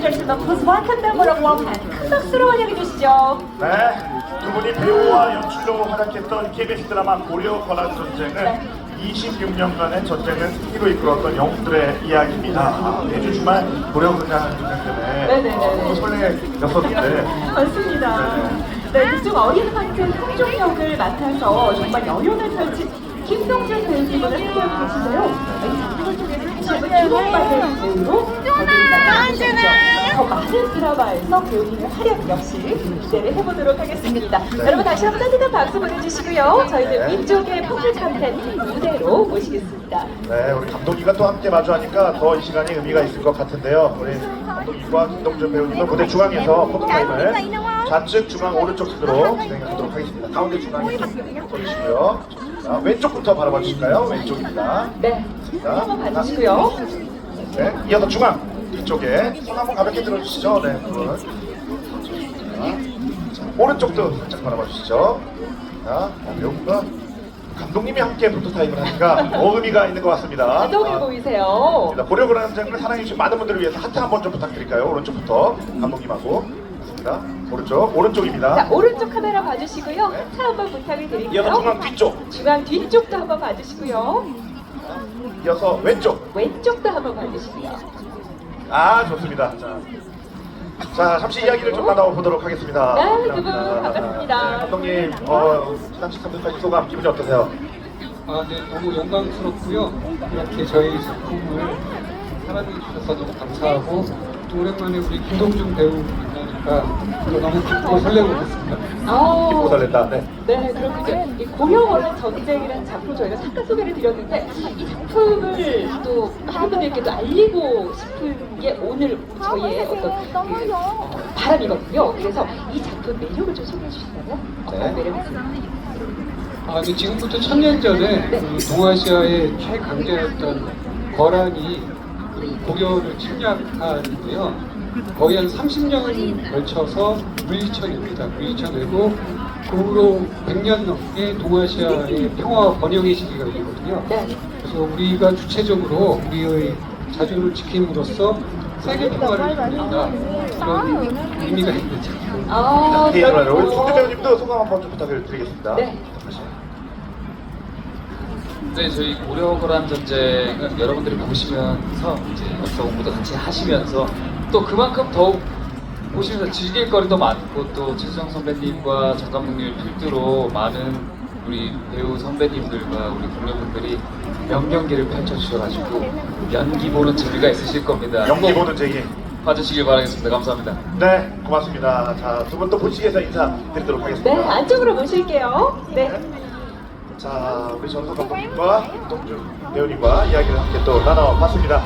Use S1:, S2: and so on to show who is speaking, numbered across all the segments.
S1: gentlemen, please welcome them with a warm hand. 큰 박수로 환영해 주시죠.
S2: 네, 두 분이 배우와 연출로 활약했던 KBS 드라마 고려 권한 전쟁은 26년간의 전쟁을 승리로 이끌었던 영웅들의 이야기입니다. 매주 주말 고려 권한 전쟁 때문에
S1: 네네네.
S2: 설레였었는데
S1: 맞습니다. 네, 그중 어린 황제 성종역을 맡아서 정말 연연을 펼친 김동준 배우님을 함께하고 계신데요. 이 작품을 통해서 다시 한번 주목받을 배우로 거듭나셨죠. 더 많은 드라마에서 배우님의 활약 역시 기대를 해보도록 하겠습니다. 여러분 다시 한번 따뜻한 박수 보내주시고요. 저희는 민족의 퍼플 카펫 무대로 모시겠습니다.
S2: 네, 우리 감독님과 또 함께 마주하니까 더 이 시간이 의미가 있을 것 같은데요. 우리 감독님과 김동준 배우님은 무대 중앙에서 포토타임을 좌측 중앙 오른쪽 순으로 진행하도록 하겠습니다. 가운데 중앙에 보이시고요. 자, 왼쪽부터 바라봐 주실까요? 왼쪽입니다.
S1: 네, 한번 봐주시고요.
S2: 네, 이어서 중앙 뒤쪽에 손 한번 가볍게 들어주시죠. 네, 분. 자, 오른쪽도 살짝 바라봐 주시죠. 자, 배우분과 감독님이 함께 포토타임을 하니까 더 의미가 있는 것 같습니다.
S1: 감독이 보이세요.
S2: 고려 권한 전쟁을 사랑해주신 많은 분들을 위해서 하트 한번 좀 부탁드릴까요? 오른쪽부터 감독님하고. 자, 오른쪽입니다.
S1: 자, 오른쪽 카메라 봐주시고요.
S2: 네.
S1: 하트 한번 부탁을 드릴게요.
S2: 이어서 중앙 뒤쪽.
S1: 중앙 뒤쪽도 한번 봐주시고요.
S2: 이어서 왼쪽.
S1: 왼쪽도 한번 봐주시고요.
S2: 아, 좋습니다. 자, 잠시 이야기를 좀 나눠보도록 하겠습니다.
S1: 네, 두 분 반갑습니다.
S2: 네, 감독님, 시상식 감독까지 소감 기분이 어떠세요?
S3: 아, 네, 너무 영광스럽고요. 이렇게 저희 작품을 사랑해 주셔서 너무 감사하고 또 오랜만에 우리 김동준 배우 만나니까 또 너무 기쁘고 설레고 있습니다.
S2: 기쁘고 설렌다. 네.
S1: 네, 그렇군요. 이 고려 원한 전쟁이라는 작품 저희가 잠깐 소개를 드렸는데 이 작품을 또 많은 분들께 알리고 싶은 게 오늘 저희의 어떤 바람이거든요. 그래서 이 작품 매력을 좀 소개해 주신다면 어떤 매력이 있습니까?
S3: 아, 네, 지금부터 1000년 전에 그 동아시아의 최강자였던 거란이 그 고려를 침략하는데요. 거의 한 30년을 걸쳐서 물리쳐냅니다. 물리쳐내고 그 후로 100년 넘게 동아시아의 평화와 번영의 시기가 있거든요. 그래서 우리가 주체적으로 우리의 자주를 지킴으로써 세계 평화를 이룬다. 그런 의미가 있는 작품.
S1: 아,
S2: 우리
S1: 그렇군요.
S2: 송대 배우님도 소감 한번 좀 부탁을 드리겠습니다.
S1: 네.
S4: 네, 저희 고려거란 전쟁은 여러분들이 보시면서 이제 역사 공부도 같이 하시면서 또 그만큼 더욱 보시면서 즐길 거리도 많고 또 최수정 선배님과 정 감독님을 필두로 많은 우리 배우 선배님들과 우리 동료분들이 명경기를 펼쳐주셔가지고 연기 보는 재미가 있으실 겁니다.
S2: 연기 보는 재미.
S4: 봐주시길 바라겠습니다. 감사합니다.
S2: 네, 고맙습니다. 자, 두 분 또 본식에서 인사드리도록 하겠습니다.
S1: 네, 안쪽으로 모실게요. 네.
S2: 자, 우리 전석 감독님과 김동준 배우님과 이야기를 함께 또 나눠봤습니다.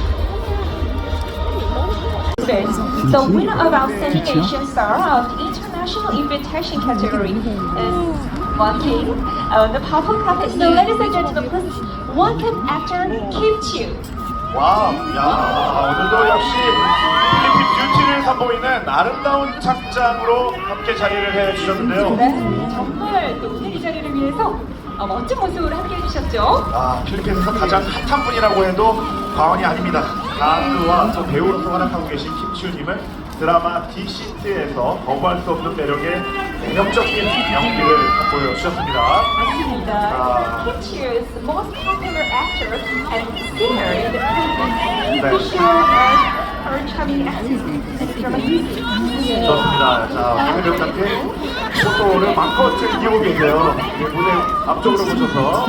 S1: The winner of Outstanding Asian Star of the International Invitation category is walking on the purple carpet. So, ladies and gentlemen, please welcome actor Kim Chiu.
S2: 와, 야, 오늘도 역시 필리핀 뷰티를 선보이는 아름다운 착장으로 함께 자리를 해주셨는데요.
S1: 네, 정말 또 오늘 이 자리를 위해서 멋진 모습으로 함께 해주셨죠.
S2: 아, 필리핀에서 가장 핫한 분이라고 해도 과언이 아닙니다. 가수와 또 배우로서 활약하고 계신 김치우님은 드라마 디시트에서 거부할 수 없는 매력의 매력적인 연기를 보여주셨습니다.
S1: 맞습니다. Kim Chiu is the most popular actor and singer in the Philippines. He shared her charming accent in the drama Disit.
S2: 좋습니다. 자, 황 배우님께 포토를 마음껏 즐기고 계세요. 무대 앞쪽으로 모셔서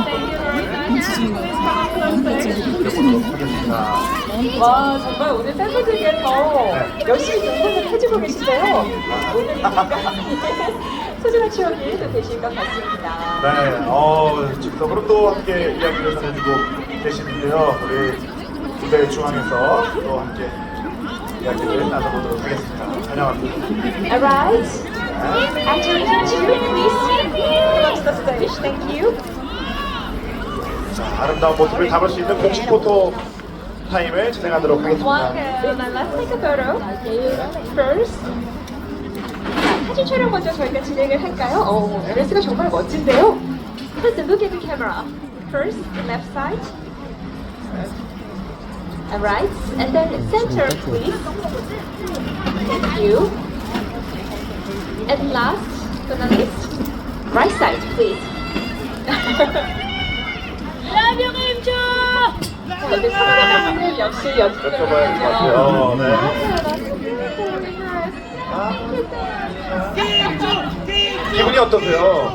S2: 해보도록 하겠습니다.
S1: 와, 정말 오늘 팬분들께서 열심히 동작을 해주고 계신데요. 오늘 소중한 추억이 또 되실 것 같습니다.
S2: 네, 즉석으로 또 함께 이야기를 전해주고 계시는데요. 우리 무대 중앙에서 또 함께 이야기를 나눠보도록 하겠습니다. 환영합니다.
S1: Alright. Actor Kim Chiu, please come to the stage. Thank you.
S2: 자, 아름다운 모습을 담을 수 있는 공식 포토 타임을 진행하도록 하겠습니다.
S1: Welcome. And let's take a photo. First. 자, 사진 촬영 먼저 저희가 진행을 할까요? 드레스가 정말 멋진데요. Please look at the camera. First, left side. Alright, and then center, please. Thank you. And last but not least, right side, please. Love you, 김주! 역시
S2: 여쭤봐야 될 것 같아요. 네. 기분이 어떠세요?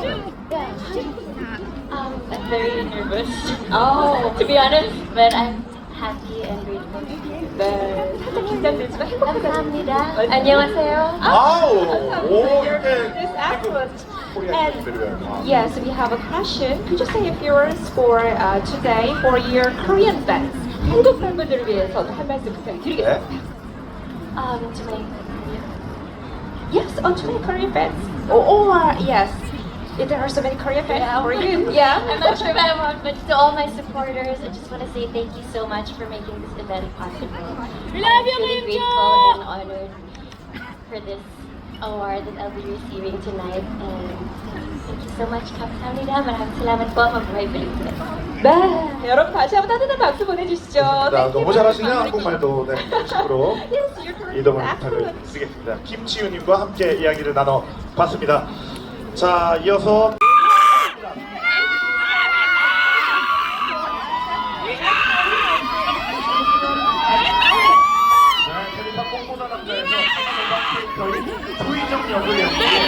S5: I'm very nervous.
S1: Oh,
S5: To be honest, but I'm happy and grateful.
S1: 네, 살짝 긴장되지만 행복하다.
S5: 감사합니다. 안녕하세요.
S2: 아우, 오,
S1: You're
S2: 이렇게
S1: this excellent.
S2: 코리아
S1: And
S2: 분들이에요.
S1: yes, we have a question. Could you say a few words for today for your Korean fans? 한국 팬분들을 위해서도 한 말씀 부탁드리겠습니다.
S2: 네.
S5: To my
S1: Yes, to my Korean fans. Or yes, if there are so many Korean fans for you. Yeah.
S5: I'm not sure if I want, but to all my supporters, I just want to say thank you so much for making this event possible. I'm really grateful and honored for this award that I'll be receiving tonight. And thank you so much. 감사합니다. 마raming salamat po. Mabuhay Pilipinas.
S1: 네, 여러분 다시 한번 따뜻한 박수 보내주시죠.
S2: 자, 너무 잘하시네요, 한국말도. 네, 90%
S1: Yes, your Korean
S2: 이동을
S1: is
S2: 부탁을
S1: excellent.
S2: 드리겠습니다. 김치우님과 함께 이야기를 나눠봤습니다. 자, 이어서 테리파 뽕보다 남자에서 캐릭터인 조희정 역을 연기해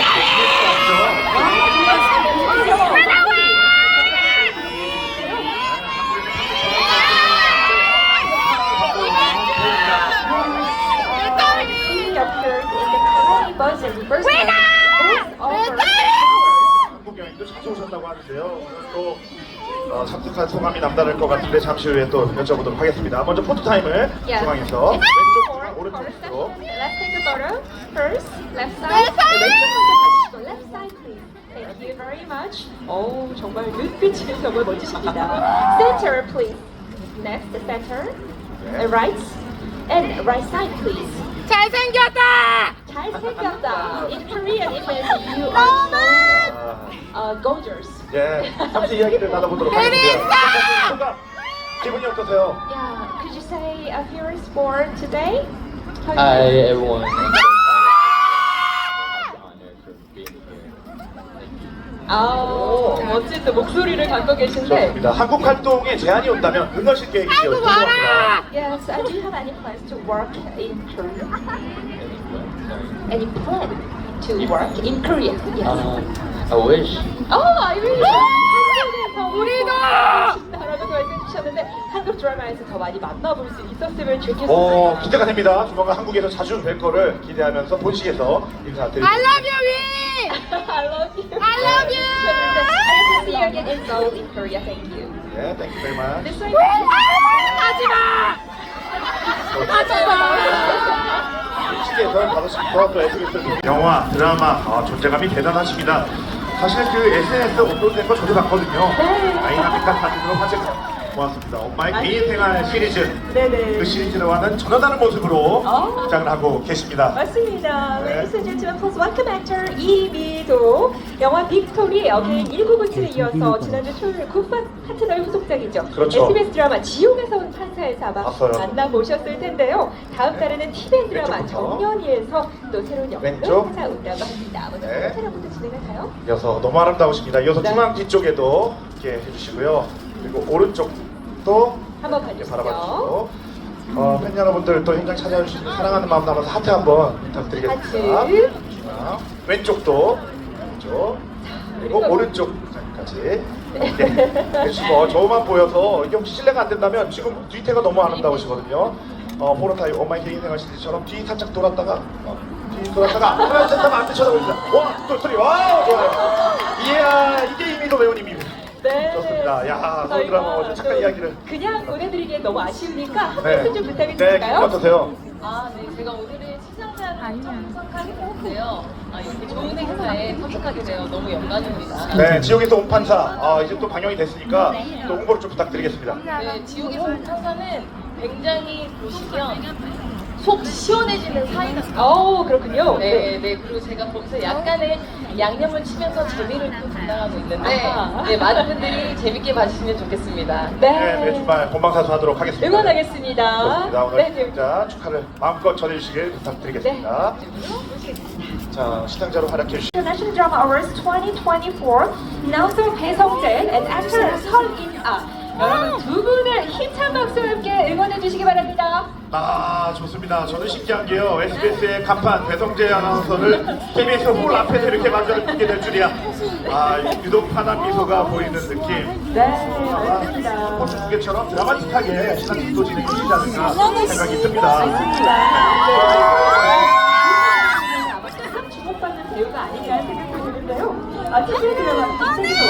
S1: He appeared in the Korean version first time. Over 6
S2: 한국 여행도 자주 오셨다고 하는데요. 오늘 또 참석한 소감이 남다를 것 같은데 잠시 후에 또 여쭤보도록 하겠습니다. 먼저 포토 타임을
S1: Yeah.
S2: 중앙에서
S1: It's
S2: 왼쪽
S1: for
S2: 중앙 오른쪽
S1: first
S2: 으로
S1: session. Let's take a photo. First, left side. 네, 왼쪽 먼저 봐주시고 left side please. Thank you very much. 오, 정말 눈빛이 정말 멋지십니다. Center please. Next, center. Right. And right side please. 잘생겼다. In Korean it means you are so gorgeous.
S2: 예, 잠시 이야기를 나눠보도록 하겠습니다. 소감, 기분이 어떠세요?
S1: Yeah, could you say a few words for today? How you
S6: Hi
S1: feel?
S6: everyone. I'm very excited. I'm honored for being here.
S1: 아, 멋진 또 목소리를 갖고 계신데.
S2: 좋습니다. 한국 활동에 제한이 온다면 응하실 계획이시죠? 궁금합니다.
S1: Yes, do you have any plans to work in Korea? Any plan to work in Korea? Yes.
S6: I wish.
S1: I really. 한국에서 우리도 싶다라고 말씀 주셨는데 한국 드라마에서 더 많이 만나볼 수 있었으면 좋겠어요.
S2: 기대가 됩니다. 조만간 한국에서 자주 뵐 거를 기대하면서 본식에서 인사드립니다.
S1: I love you. I love you. I hope to see you again in Seoul, in Korea. Thank you.
S2: 네, thank you very much.
S1: This way.
S2: 시대에서 5시부터 또 SBS 영화, 드라마 존재감이 대단하십니다. 사실 그 SNS 업로드된 거 저도 봤거든요.
S1: 네.
S2: 다이나믹한 사진으로 화제가 모았습니다. 엄마의 개인 생활 시리즈.
S1: 네네.
S2: 그 시리즈와는 전혀 다른 모습으로
S1: 어.
S2: 등장을 하고 계십니다.
S1: 맞습니다.
S2: 네.
S1: Ladies and gentlemen, please welcome actor 이미도. 영화 빅토리 어게인 1997에 이어서 지난주 토요일 굿파 파트너의 후속작이죠.
S2: 그렇죠.
S1: SBS 드라마 지옥에서 온 판사에서 아마
S2: 봤어요.
S1: 만나보셨을 텐데요. 다음 달에는 TVN 드라마
S2: 왼쪽부터.
S1: 정년이에서 또 새로운 역할을
S2: 왼쪽.
S1: 찾아온다고 합니다. 먼저
S2: 네.
S1: 차량부터 진행할까요?
S2: 이어서 너무 아름다우십니다. 이어서
S1: 네.
S2: 중앙 뒤쪽에도 이렇게 해주시고요. 그리고 오른쪽도
S1: 한번
S2: 이렇게
S1: 봐주시죠.
S2: 바라봐주시고 팬 여러분들 또 현장 찾아주시는 사랑하는 마음 담아서 하트 한번 부탁드리겠습니다.
S1: 하트.
S2: 중앙. 왼쪽도 왼쪽 그리고
S1: 그리고-
S2: 오른쪽까지 네. 해주시고 저만 보여서 이게 혹시 실례가 안 된다면 지금 뒤태가 너무 아름다우시거든요. 포로타임 엄마의 개인 생활 시리즈처럼 뒤 살짝 돌았다가 뒤 돌았다가 하나 셋 하면 안 쳐다보입니다. 원, 투, 쓰리, 와우 좋아요. 이야 이게 이미도 배우님입니다.
S1: 네.
S2: 좋습니다. 야, 서울
S1: 저희가
S2: 드라마 잠깐 이야기를.
S1: 그냥 보내드리기엔 너무 아쉬우니까 한
S2: 네.
S1: 말씀 좀 부탁이
S2: 네,
S1: 드릴까요?
S2: 기분 어떠세요?
S7: 네, 제가 오늘은 시상자를 참석하게 되었는데요. 이렇게 좋은 행사에 참석하게 되어 너무 영광입니다.
S2: 네, 지옥에서 온 판사. 이제 또 방영이 됐으니까 또 홍보를 좀 부탁드리겠습니다.
S7: 네, 지옥에서 온 판사는 굉장히 보시면 속 시원해지는 사이다.
S1: 그렇군요.
S7: 네, 네. 그리고 제가 거기서 약간의 양념을 치면서 재미를 또 담당하고 있는데, 네, 많은 분들이 재밌게 봐주시면 좋겠습니다.
S2: 네, 네, 정말 본방사수하도록 하겠습니다.
S1: 응원하겠습니다.
S2: 좋습니다. 오늘
S1: 네, 네.
S2: 시상자 축하를 마음껏 전해주시길 부탁드리겠습니다. 자, 시상자로 활약해 주신
S1: International Drama Awards 2024 announcer 배성재 and actor 설인아. 여러분 두 분을 힘찬 박수와 함께 응원해 주시기 바랍니다.
S2: 좋습니다. 저는 신기한 게요. SBS의 간판 배성재 아나운서를 KBS 홀 앞에서 이렇게 마주를 듣게 될 줄이야. 유독 환한 미소가 보이는 느낌.
S1: 네, 맞습니다.
S2: 스포츠 중계처럼 드라마틱하게 시상식도 진행이 되지 않을까 생각이 듭니다.
S1: 아마 주목받는 배우가 아닌가 생각이 드는데요. TV 드라마 빅스에서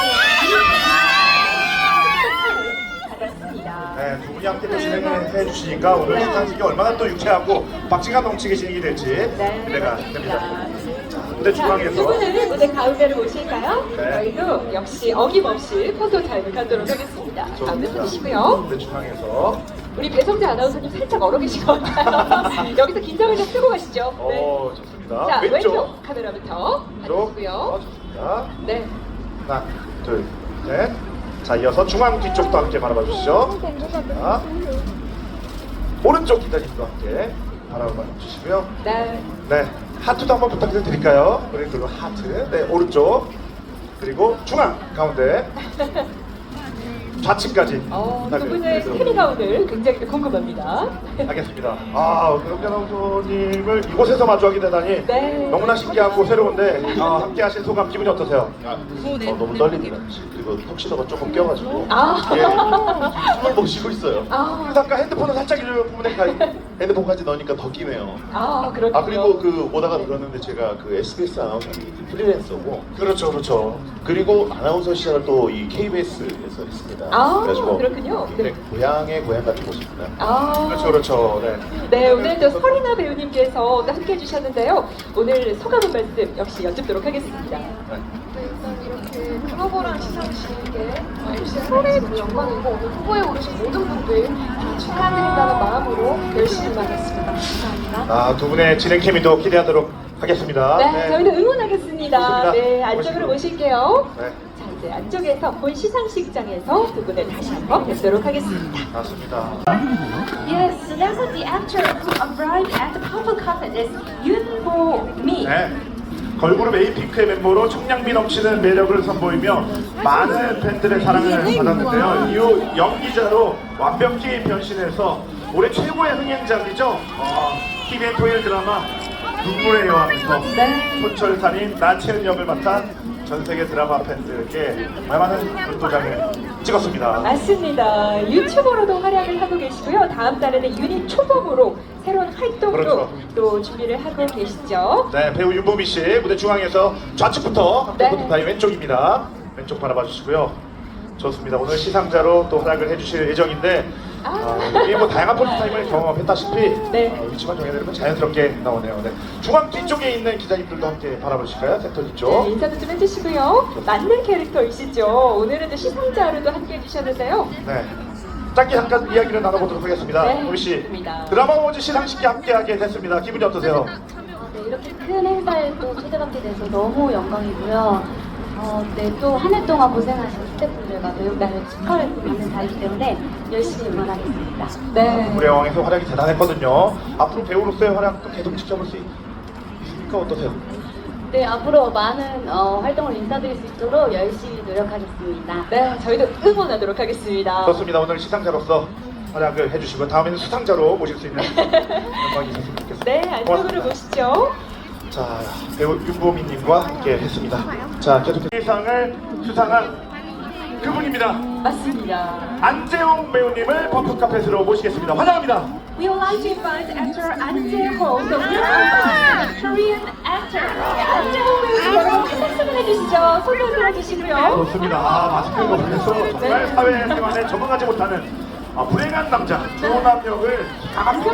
S1: 받았습니다.
S2: 네, 두 분이 함께 또 진행을 해주시니까 오늘 시상식이 얼마나 또 유쾌하고 박진감 넘치게 진행이 될지 기대가 됩니다. 무대
S1: 자, 두
S2: 중앙에서
S1: 분은 무대 가운데로 모실까요?
S2: 네.
S1: 저희도 역시 어김없이 포토 타임을 갖도록 하겠습니다. 가운데 서주시고요.
S2: 무대 중앙에서
S1: 우리 배성재 아나운서님 살짝 얼어 계신 것 같아요. 여기서 긴장을 좀 풀고 가시죠. 네.
S2: 좋습니다.
S1: 자, 왼쪽
S2: 왼쪽
S1: 카메라부터
S2: 왼쪽
S1: 봐주시고요.
S2: 좋습니다.
S1: 네.
S2: 하나, 둘, 셋. 자, 이어서 중앙 뒤쪽도 함께 바라봐 주시죠. 자, 오른쪽 기자님도 함께 바라봐 주시고요.
S1: 네.
S2: 네, 하트도 한번 부탁드릴까요? 우리 그리고 하트. 네, 오른쪽. 그리고 중앙 가운데. 좌측까지.
S1: 두 분의 스케미가 오늘 굉장히 궁금합니다.
S2: 알겠습니다. 배성재 아나운서님을 이곳에서 마주하게 되다니
S1: 네.
S2: 너무나 신기하고 새로운데 함께 하신 소감 기분이 어떠세요?
S6: 너무 떨립니다. 그리고 턱시도가 조금 껴가지고
S2: 예.
S6: 숨을 못 쉬고 있어요.
S2: 그래서 아까 핸드폰을 살짝 이렇게 보니까
S6: 핸드폰까지 넣으니까 더 끼네요.
S1: 그렇군요.
S6: 그리고 그 오다가 들었는데 제가 그 SBS 아나운서님 프리랜서고
S2: 그렇죠, 그렇죠.
S6: 그리고 아나운서 시작을 또 이 KBS에서 했습니다.
S1: 그렇군요.
S6: 굉장히 고향의 고향 같은 곳입니다.
S2: 그렇죠, 그렇죠. 네.
S1: 네, 오늘 또 설이나 배우님께서 또 함께 해주셨는데요. 오늘 소감 한 말씀 역시 여쭙도록 하겠습니다.
S7: 일단 이렇게 글로벌한 시상식에 MC를 하게 돼서 영광이고 오늘 후보에 오르신 모든 분들 축하드린다는 마음으로 열심히 임하겠습니다. 감사합니다.
S2: 두 분의 진행 케미도 기대하도록 하겠습니다.
S1: 네, 저희는 응원하겠습니다.
S2: 좋습니다.
S1: 네, 안쪽으로 모실게요.
S2: 네,
S1: 자, 이제 안쪽에서 본 시상식장에서 두 분을 다시 한번 뵙도록 하겠습니다.
S2: 맞습니다.
S1: Yes, so now the actor who arrived at the purple carpet is Yoon Bo-mi.
S2: 네. 걸그룹 에이핑크의 멤버로 청량미 넘치는 매력을 선보이며 많은 팬들의 사랑을 받았는데요. 이후 연기자로 완벽히 변신해서 올해 최고의 흥행작이죠. TVN 토요일 드라마 눈물의 여왕에서 손철살인 나채은 역을 맡아 전 세계 드라마 팬들에게 많은 눈도장을 찍었습니다.
S1: 맞습니다. 유튜버로도 활약을 하고 계시고요. 다음 달에는 유닛 초범으로 새로운 활동도
S2: 그렇죠.
S1: 또 준비를 하고 계시죠.
S2: 네, 배우 윤보미 씨 무대 중앙에서 좌측부터 함께
S1: 네.
S2: 포토타임 왼쪽입니다. 왼쪽 바라봐 주시고요. 좋습니다. 오늘 시상자로 또 활약을 해주실 예정인데 이게 뭐 다양한 포토타임을 경험했다시피
S1: 네.
S2: 위치만 정해내면 자연스럽게 나오네요. 네. 중앙 뒤쪽에 있는 기자님들도 함께 바라봐 주실까요? 센터 뒤쪽.
S1: 네, 인사도 좀 해주시고요. 맞는 캐릭터이시죠. 오늘은 또 시상자로도 함께 해주셨는데요.
S2: 네. 짧게 잠깐 이야기를 나눠보도록 하겠습니다.
S1: 네,
S2: 보미 씨,
S1: 좋습니다.
S2: 드라마 어워즈 시상식에 함께하게 됐습니다. 기분이 어떠세요?
S5: 네, 이렇게 큰 행사에 또 초대받게 돼서 너무 영광이고요. 네, 또 한 해 동안 고생하신 스태프분들과 배우단을 축하를 받는 자리이기 때문에 열심히 응원하겠습니다.
S1: 네.
S2: 우리 여왕에서 활약이 대단했거든요. 앞으로 배우로서의 활약도 계속 지켜볼 수 있습니까? 어떠세요?
S5: 네, 앞으로 많은 활동을 인사드릴 수 있도록 열심히 노력하겠습니다.
S1: 네, 저희도 응원하도록 하겠습니다.
S2: 좋습니다. 오늘 시상자로서 활약을 해주시고 다음에는 수상자로 모실 수 있는 영광이 있었으면 좋겠습니다.
S1: 네, 안쪽으로
S2: 고맙습니다.
S1: 모시죠.
S2: 자, 배우 윤보미님과 함께 했습니다. 자, 계속해서 상을 수상한 그분입니다.
S1: 맞습니다.
S2: 안재홍 배우님을 퍼플카펫으로 모시겠습니다. 환영합니다.
S1: We would like to invite actor An Jae-ho, the winner of Korean actor. 안재홍 배우님 여러분 큰 박수를 해주시죠. 손을 들어주시고요.
S2: 좋습니다. 마스크를 벗으면서 정말 사회생활에 적응하지 못하는 불행한 남자 조남 역을 강하게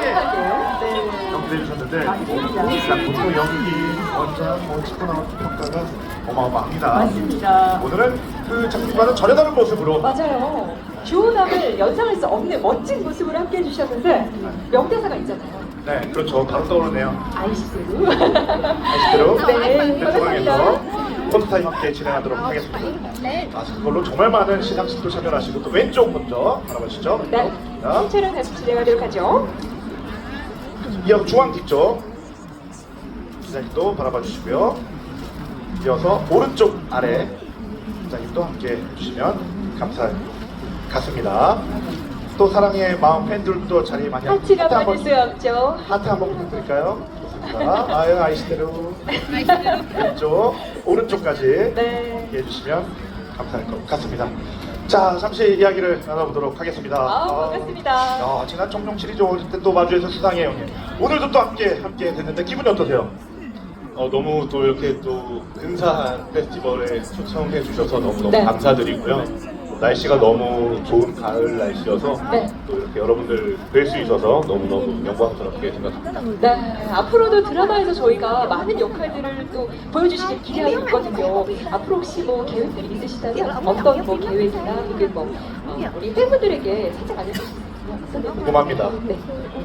S1: 네.
S2: 연기해 주셨는데
S1: 맞습니다.
S2: 일단 보통 연기, 원작, 찍고 나온 평가가 어마어마합니다.
S1: 맞습니다.
S2: 오늘은 그 작품과는 전혀 다른 모습으로
S1: 맞아요. 조남을 연상할 수 없는 멋진 모습으로 함께 해주셨는데 명대사가 있잖아요.
S2: 네, 그렇죠. 바로 떠오르네요.
S1: 아이스로.
S2: 아시대로
S1: 네,
S2: 중앙에서 포토타임 함께 진행하도록 하겠습니다. 그걸로 정말 많은 시상식도 참여하시고 또 왼쪽 먼저 바라보시죠.
S1: 네,
S2: 자,
S1: 신체를 다시 진행하도록 하죠.
S2: 이어서 중앙 뒤쪽 기자님도 바라봐 주시고요. 이어서 오른쪽 아래 기자님도 함께 해주시면 감사하겠습니다. 또 사랑의 마음 팬들도 자리 많이
S1: 하트가
S2: 한번
S1: 빠질 수 없죠.
S2: 하트 한번 부탁드릴까요? 좋습니다. 아유 아이시대로 왼쪽 오른쪽까지
S1: 네.
S2: 이렇게 해주시면 감사할 것 같습니다. 자 잠시 이야기를 나눠보도록 하겠습니다.
S1: 반갑습니다.
S2: 야, 지난 청룡 시리즈 오실 때 또 마주해서 수상해요. 형님. 오늘도 또 함께 됐는데 기분이 어떠세요?
S8: 너무 또 이렇게 또 근사한 페스티벌에 초청해 주셔서 너무너무
S1: 네.
S8: 감사드리고요. 날씨가 너무 좋은 가을 날씨여서
S1: 네.
S8: 또 이렇게 여러분들 뵐 수 있어서 너무너무 영광스럽게 생각합니다.
S1: 네, 앞으로도 드라마에서 저희가 많은 역할들을 또 보여주시길 기대하고 있거든요. 앞으로 혹시 뭐 계획들이 있으시다면 어떤 뭐 계획이나 혹은 뭐 우리 팬분들에게 살짝 알려주실 수 있나요?
S2: 궁금합니다.
S1: 네.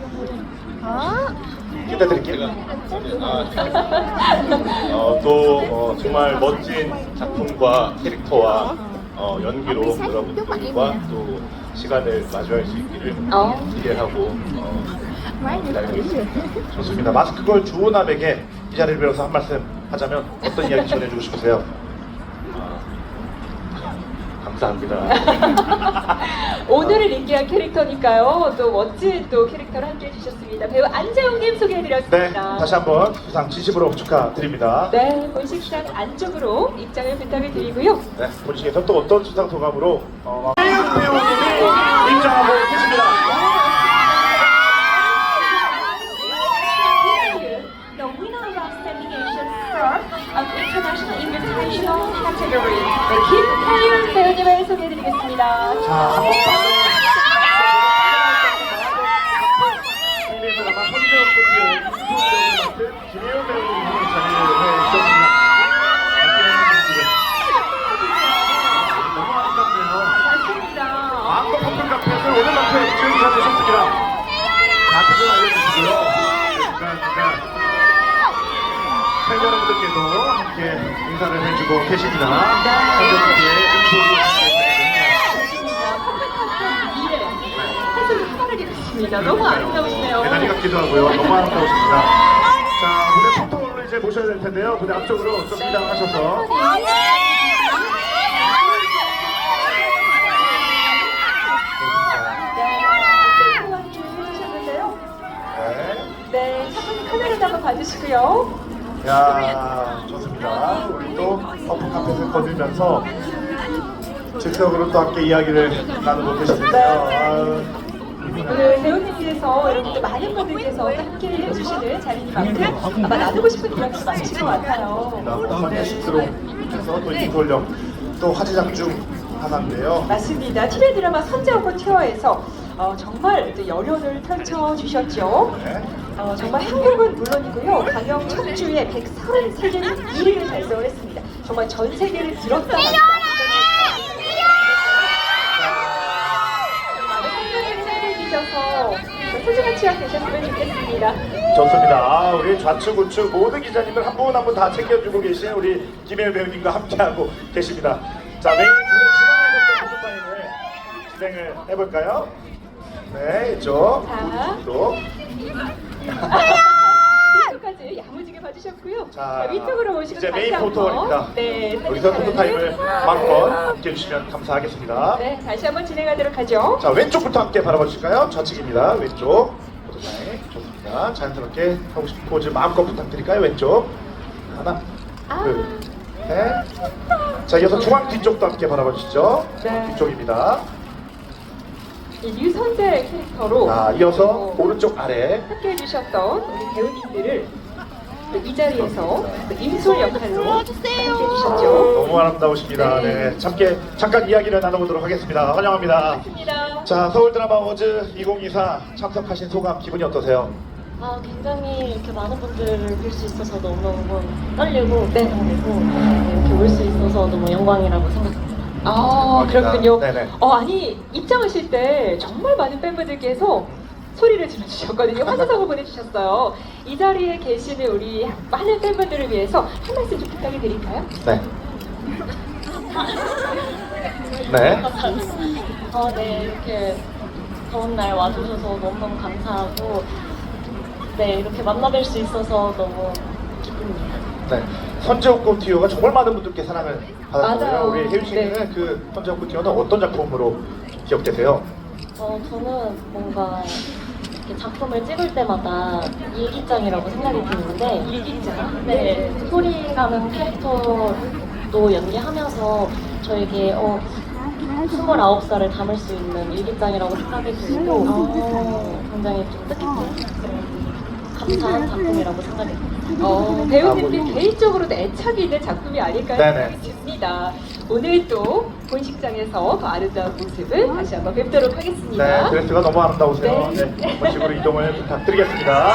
S2: 기대드릴게요.
S8: 정말 멋진 작품과 캐릭터와 연기로 여러분들과 또 시간을 마주할 수 있기를 기대하고 기다리고 있습니다.
S2: 좋습니다. 마스크걸 주호남에게 이 자리를 빌어서 한 말씀 하자면 어떤 이야기 전해주고 싶으세요?
S8: 감사합니다.
S1: 오늘을 인기한 캐릭터니까요. 또 멋진 또 캐릭터를 함께 해주셨습니다. 배우 안재홍님
S2: 네,
S1: 소개해드렸습니다.
S2: 다시 한번 수상 진심으로 축하드립니다.
S1: 네, 본식상 안쪽으로 입장을 부탁을 드리고요.
S2: 네, 본식에서 또 어떤 수상 소감으로 배우님이 입장하고 계십니다.
S1: The winner of Outstanding Asian Star of International Invitational Category, 네, 김태윤 배우님을 소개해드리겠습니다.
S2: 자, 한번 TV에서 나간 선재현 코트의 맡은 김혜원 배우님이 자리를 해주셨습니다. 너무 아름답네요.
S1: 맞습니다.
S2: 마음껏 퍼플 카펫을 오늘만큼 즐기셔 주셨습니다. 다들 알려주시고요. 진짜 팬 여러분들께도 함께 인사를 해주고 계십니다. 팬여러분께
S1: 인사드리겠습니다. 너무 아름다우시네요.
S2: 대단히 같기도 하고요. 너무 아름다우십니다. 자, 무대 포토를 이제 모셔야 될 텐데요. 무대 앞쪽으로 좀 이동하셔서.
S1: 네, 첫 번째 카메라도 한번 봐주시고요.
S2: 야, 좋습니다. 우리 또 퍼플 카펫을 거들면서 즉석으로 또 함께 이야기를 나누고 계시는데요.
S1: 오늘 배우님께서 여러분들 많은 분들께서 또 함께 해주시는 자리인 만큼 아마 나누고 싶은 이야기가 많으실 것 같아요.
S2: 한번에 식스로 해서 또 이돌령 또 화제작 중 하나인데요.
S1: 맞습니다. TV 드라마 선제오고 티어에서 정말 또 열연을 펼쳐주셨죠.
S2: 네.
S1: 정말 한국은 물론이고요. 강영 첫 주에 133개 1위를 달성을 했습니다. 정말 전 세계를 들었다 놨다. 많은 분들이 사랑해주셔서 소중한 추억 되셨으면 좋겠습니다.
S2: 좋습니다. 우리 좌측 우측 모든 기자님들 한 분 한 분 다 챙겨주고 계신 우리 김혜연 배우님과 함께하고 계십니다. 자, 메인 중앙에서 포토타임을 진행을 해볼까요? 네, 이쪽
S1: 자.
S2: 또
S1: 뒤쪽까지 야무지게 봐주셨고요.
S2: 자,
S1: 위쪽으로 오시고
S2: 이제
S1: 다시
S2: 메인
S1: 한번.
S2: 포토입니다.
S1: 네,
S2: 여기서
S1: 사진
S2: 포토타임을
S1: 촬영을
S2: 마음껏 함께 해주시면 감사하겠습니다.
S1: 네, 다시 한번 진행하도록 하죠.
S2: 자, 왼쪽부터 함께 바라봐 주실까요? 좌측입니다. 왼쪽 포토타임 좋습니다. 자연스럽게 하고 싶은 포즈 마음껏 부탁드릴까요? 왼쪽 하나, 둘, 셋. 자, 이어서 중앙 뒤쪽도 함께 바라봐 주시죠.
S1: 네.
S2: 뒤쪽입니다.
S1: 이 류선재 캐릭터로
S2: 자, 이어서 오른쪽 아래.
S1: 함께 해주셨던 우리 배우님들을 또이 자리에서 또 임솔 역할로 함께 해주셨죠.
S2: 너무 아름다우십니다. 네, 잠깐 이야기를 나눠보도록 하겠습니다. 환영합니다.
S1: 반갑습니다.
S2: 자, 서울 드라마 어워즈 2024 참석하신 소감 기분이 어떠세요?
S5: 굉장히 이렇게 많은 분들을 뵐 수 있어서 너무너무 떨리고 긴장되고 이렇게 올 수 있어서 너무 영광이라고 생각합니다.
S1: 아, 그렇군요.
S2: 네네.
S1: 아니 입장하실 때 정말 많은 팬분들께서 소리를 질러주셨거든요. 환호성을 보내주셨어요. 이 자리에 계시는 우리 많은 팬분들을 위해서 한 말씀 좀 부탁을 드릴까요?
S2: 네. 네.
S5: 네, 이렇게 더운 날 와주셔서 너무너무 감사하고, 네, 이렇게 만나뵐 수 있어서 너무 기쁩니다.
S2: 네. 선제옥고 티오가 정말 많은 분들께 사랑을 받았거든요.
S1: 맞아요.
S2: 우리 혜윤 씨는
S1: 네.
S2: 그 선제옥고 티오는 어떤 작품으로 기억되세요?
S5: 저는 뭔가 이렇게 작품을 찍을 때마다 일기장이라고 생각이 드는데, 일기장? 네, 소리라는 캐릭터도 연기하면서 저에게 29살을 담을 수 있는 일기장이라고 생각이 들고, 굉장히 좀 뜻깊은 감사한 작품이라고 생각이 듭니다.
S1: 배우님들 개인적으로도 애착이 있는 작품이 아닐까
S2: 네네.
S1: 싶습니다. 오늘 또 본식장에서 더 아름다운 모습을 다시 한번 뵙도록
S2: 네.
S1: 하겠습니다.
S2: 드레스가 너무 아름다우세요.
S1: 네.
S2: 네. 한번 식으로 이동을 부탁드리겠습니다.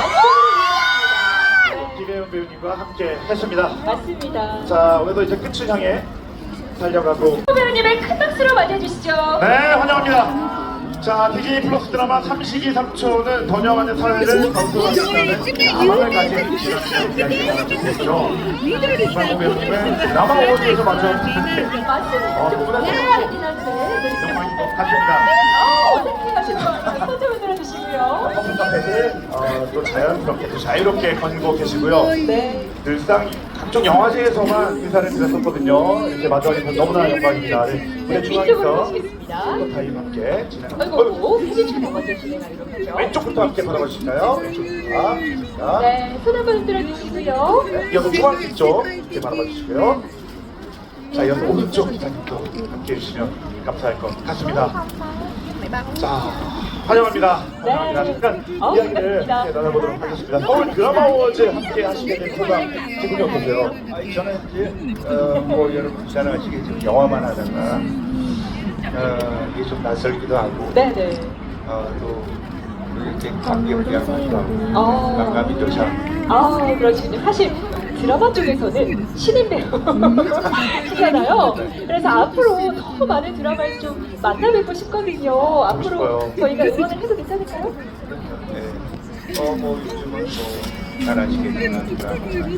S1: 네,
S2: 김혜연 배우님과 함께 했습니다.
S1: 맞습니다.
S2: 자, 오늘도 이제 끝을 향해 달려가고.
S1: 배우님의 큰 박수로 맞아주시죠.
S2: 네, 환영합니다. 자, 디즈니 플러스 드라마 삼식이 삼촌은 더녀와의 사회를 건설하겠다는 가망을 가진 이야기가 나왔죠. 이만호 배우님은 드라마 어워즈에서 마주한
S1: 맞습니다.
S2: 누구나
S1: 네,
S2: 영광인 것 같습니다.
S1: 어떻게 하실 거예요? 손좀 흔들어 주시고요.
S2: 커플 카펫을 또 자연스럽게 또 자유롭게 거닐고 계시고요.
S1: 네.
S2: 늘상 각종 영화제에서만 인사를 드렸었거든요. 이렇게 마주하게 너무나 영광입니다. 무대
S1: 이쪽으로
S2: 중앙에서
S1: 모시겠습니다.
S2: 타임 함께 진행합니다.
S1: 아이고, 피디님이 먼저 진행하도록 하죠.
S2: 왼쪽부터 함께 받아봐 주실까요? 왼쪽부터. 자,
S1: 네, 손 한번 흔들어 주시고요.
S2: 네, 이어서 중앙 쪽 이렇게 받아봐 주시고요. 자, 이어서 오른쪽 기자님도 함께 해주시면 감사할 것 같습니다. 자, 환영합니다. 환영합니다.
S1: 네.
S2: 잠깐 이야기를
S1: 반갑습니다.
S2: 함께 나눠보도록 하겠습니다. 서울 드라마 어워즈 함께 하시게 된 소감 기분이 어떠세요?
S9: 저는 이제 뭐 여러분 잘 아시겠지만 영화만 하다가 이게 좀 낯설기도 하고
S1: 네네.
S9: 또 이렇게 감격하기도 하고
S1: 아.
S9: 감감이 또 참.
S1: 그러시군요. 사실 드라마 쪽에서는 신인 배우시잖아요. 그래서 앞으로 더 많은 드라마를 좀 만나뵙고 싶거든요. 앞으로
S2: 싶어요.
S1: 저희가 응원을 해도 괜찮을까요?
S9: 네. 뭐 요즘은 뭐잘 아시겠지만 드라마나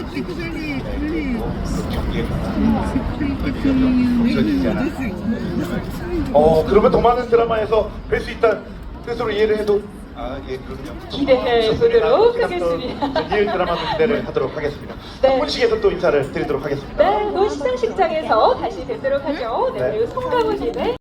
S9: 또 경계가 없어지지 않았나.
S2: 그러면 더 많은 드라마에서 뵐 수 있다는 뜻으로 이해를 해도
S9: 예, 그럼요.
S1: 기대해 보도록 하겠습니다.
S2: 리얼 드라마 기대를 하도록 하겠습니다.
S1: 네.
S2: 본식에서 또 인사를 드리도록 하겠습니다.
S1: 네, 노시상식장에서 다시 뵙도록 하죠. 네,
S2: 네.
S1: 배우 송강호님의